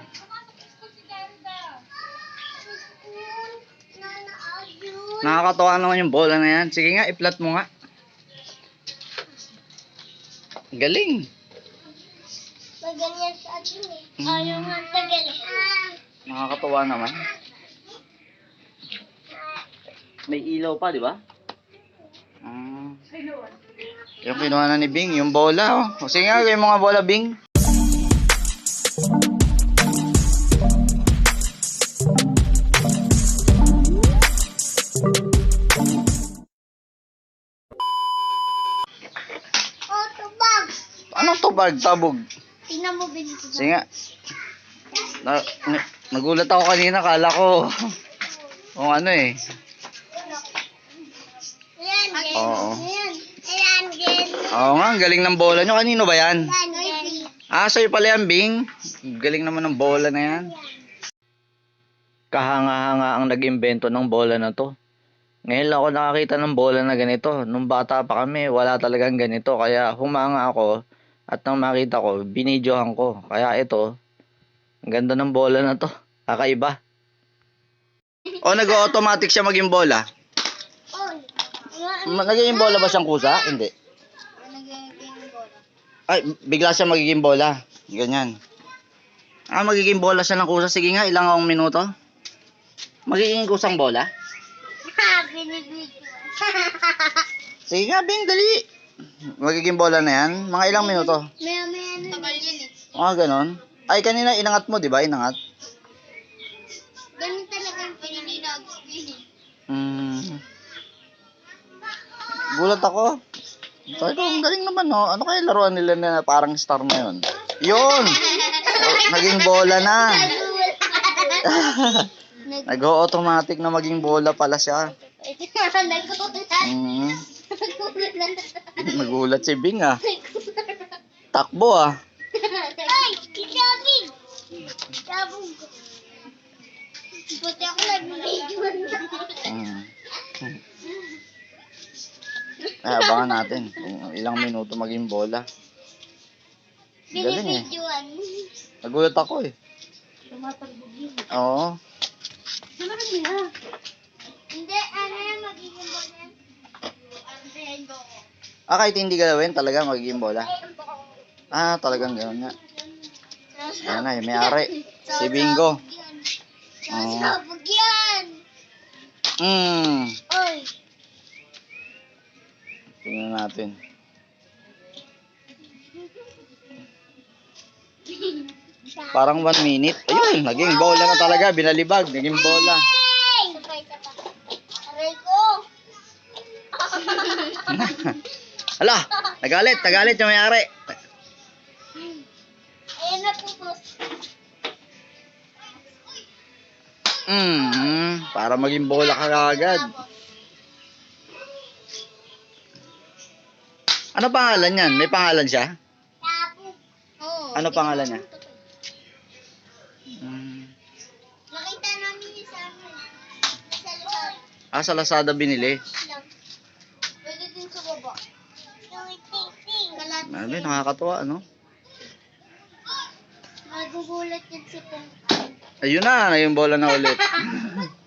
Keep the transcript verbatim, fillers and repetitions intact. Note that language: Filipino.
Nakakatawa naman yung bola na yan. Sige nga, i-flat mo nga. Galing. Maganyan sa atin eh. Ayaw nga tagal. Nakakatawa naman. May ilaw pa, di ba? Ah. Yung kinuha na ni Bing, yung bola. Oh. Sige nga, gawin mo nga bola, Bing. Oh, tubag. Anong tubag? Tabog. Tingnan mo, Benito. Sige nga. Na, na, nagulat ako kanina, kala ko kung ano eh. Ayan, Gen. Oo. Ayan. Ayan, Gen. Oo nga, ang galing ng bola nyo. Kanino ba yan? Ayan, Gen. Ah, sa'yo pala yan, Bing. Galing naman ng bola na yan. Kahanga-hanga ang nag-imbento ng bola na to. Ngayon lang ako nakakita ng bola na ganito. Nung bata pa kami, wala talagang ganito. Kaya humanga ako at nang makita ko, binidyohan ko. Kaya ito, ang ganda ng bola na to. Kakaiba. O nag-automatic siya maging bola? Oy. Ma- Nagiging bola ba siyang kusa? Hindi. Ay, bigla siya magiging bola. Ganyan. Ah, magiging bola siya ng kusa. Sige nga, ilang akong minuto? Magiging kusang bola? Ha, binibidyo. Sige nga, Bing, dali. Magiging bola na yan. Mga ilang minuto? Maya, maya na. Tagal yun eh. Ah, ganon. Ay, kanina inangat mo, di ba? Inangat. Ganun talaga yung pinininag. Hmm. Gulat ako. Sabi ko, ang galing naman, no? Ano kaya laruan nila na parang star na yun? Yun! Oh, naging bola na. Nag-automatic na maging bola pala siya. Hmm. Nagulat si Bing, ah. Takbo, ah. Ay! Kisabing! Sabog! Buti ako nag-video na. Hmm. Ay, abangan natin kung ilang minuto maging bola. Galing eh. Binibidyoan. Nagulat ako eh. Tumatagbo yun. Oo. Samahan mo na. Hindi, ano yan, magiging bola yan. Ah, kahit hindi galawin, talaga magiging bola. Ah, talagang gano'n nga. Ayan na, may ari. Si Bingo. Sasabog yan! Hmm. Oy! Tingnan natin. Parang one minute. Ayun, naging bola na talaga. Binalibag, naging bola. Hey! Sabay ka pa. Aray ko! Hala, nagalit, nagalit yung may-ari. Ayan na po, boss. Hmm, para maging bola ka agad. Ano pangalan yan? May pangalan siya? Tapo. Oo. Ano pangalan niya? Hmm. Nakita namin yung sa amin. Sa lugar. Ah, sa Lazada binili. Lang. Pwede din sa baba. Kalat. Ano, nakakatuwa, ano? Magugulat yan si Pong. Ayun na, naging bola na ulit.